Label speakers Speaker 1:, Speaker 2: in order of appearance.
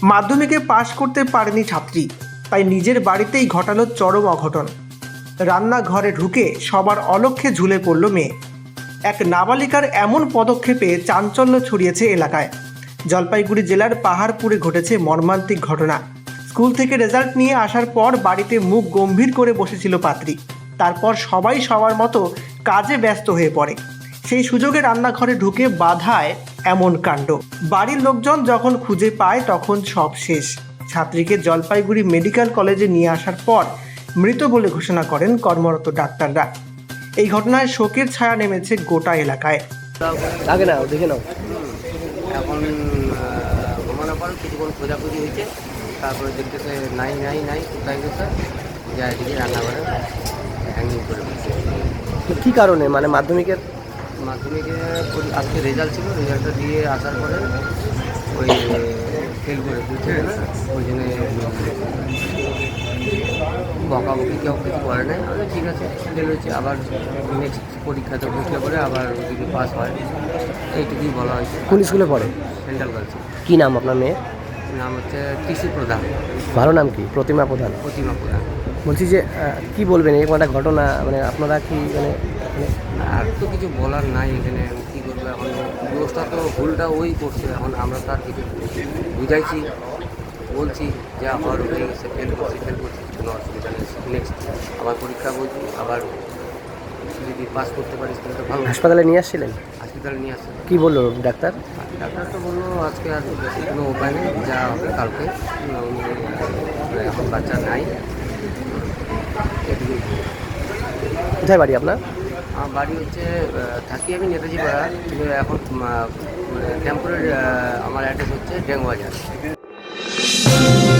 Speaker 1: মাধ্যমিকে পাশ করতে পারেনি ছাত্রী, তাই নিজের বাড়িতেই ঘটালো চরম অঘটন। রান্নাঘরে ঢুকে সবার অলক্ষ্যে ঝুলে পড়ল মেয়ে। এক নাবালিকার এমন পদক্ষেপে চাঞ্চল্য ছড়িয়েছে এলাকায়। জলপাইগুড়ি জেলার পাহাড়পুরে ঘটেছে মর্মান্তিক ঘটনা। স্কুল থেকে রেজাল্ট নিয়ে আসার পর বাড়িতে মুখ গম্ভীর করে বসেছিল পাত্রী। তারপর সবাই সবার মতো কাজে ব্যস্ত হয়ে পড়ে। সেই সুযোগে রান্নাঘরে ঢুকে বাধায় এমন কাণ্ড। বাড়ির লোকজন যখন খুঁজে পায় তখন সব শেষ। ছাত্রীকে জলপাইগুড়ি মেডিকেল কলেজে নিয়ে আসার পর মৃত বলে ঘোষণা করেন কর্মরত ডাক্তাররা। এই ঘটনায় শোকের ছায়া নেমেছে গোটা এলাকায়।
Speaker 2: আগে নাও, দেখে নাও।
Speaker 3: এখন ঘুমানোর পর কিছুক্ষণ খোঁজাখুঁজি হয়েছে, তারপরে দেখতেছে নাই কোথায় গেছে, যা এদিকে রান্নাঘরে হ্যাঙ্গিং করে দিচ্ছে।
Speaker 2: তো কী কারণে, মানে মাধ্যমিকের
Speaker 3: মাধ্যমিকে আজকে রেজাল্ট ছিল, রেজাল্টটা দিয়ে আসার পরে ওই ফেল করে দিচ্ছে না, ওই জন্য বকাবকি কেউ কিছু করে নাই। আমি ঠিক আছে ফেল হয়েছে, আবার নেক্সট পরীক্ষাতে বসলে পরে আবার যদি পাস হয়, এইটুকুই বলা হয়েছে।
Speaker 2: কোন স্কুলে পড়ে?
Speaker 3: সেন্ট্রাল গার্লসে।
Speaker 2: কী নাম আপনার মেয়ের?
Speaker 3: নাম হচ্ছে টিসি প্রধান।
Speaker 2: ভালো নাম কি? প্রতিমা প্রধান।
Speaker 3: প্রতিমা প্রধান।
Speaker 2: বলছি যে কি বলবেন এরকম একটা ঘটনা, মানে আপনারা কি মানে
Speaker 3: আর তো কিছু বলার নাই, এখানে কী করবো এখন, দোষটা তো ভুলটা ওই করছে। এখন আমরা তার কিছু বুঝাইছি, বলছি যে আবার হয়ে গেছে, ফেল করছি কোনো অসুবিধা নেই, নেক্সট আবার পরীক্ষা বলছি, আবার যদি পাস করতে পারিস তাহলে তো ভালো।
Speaker 2: হাসপাতালে নিয়ে আসছিলেন?
Speaker 3: হসপিটালে নিয়ে আসছে।
Speaker 2: কি বললো ডাক্তার?
Speaker 3: ডাক্তার তো বললো আজকে আর কোনো উপায় নেই, যা হবে কালকে, এখন বাচ্চা নাই, এটুকুই।
Speaker 2: কোথায় বাড়ি আপনার?
Speaker 3: আমার বাড়ি হচ্ছে থাকি আমি নেতাজি পাড়া, কিন্তু এখন মানে টেম্পোরারি আমার অ্যাড্রেস হচ্ছে ডেঙ্গুবাজার।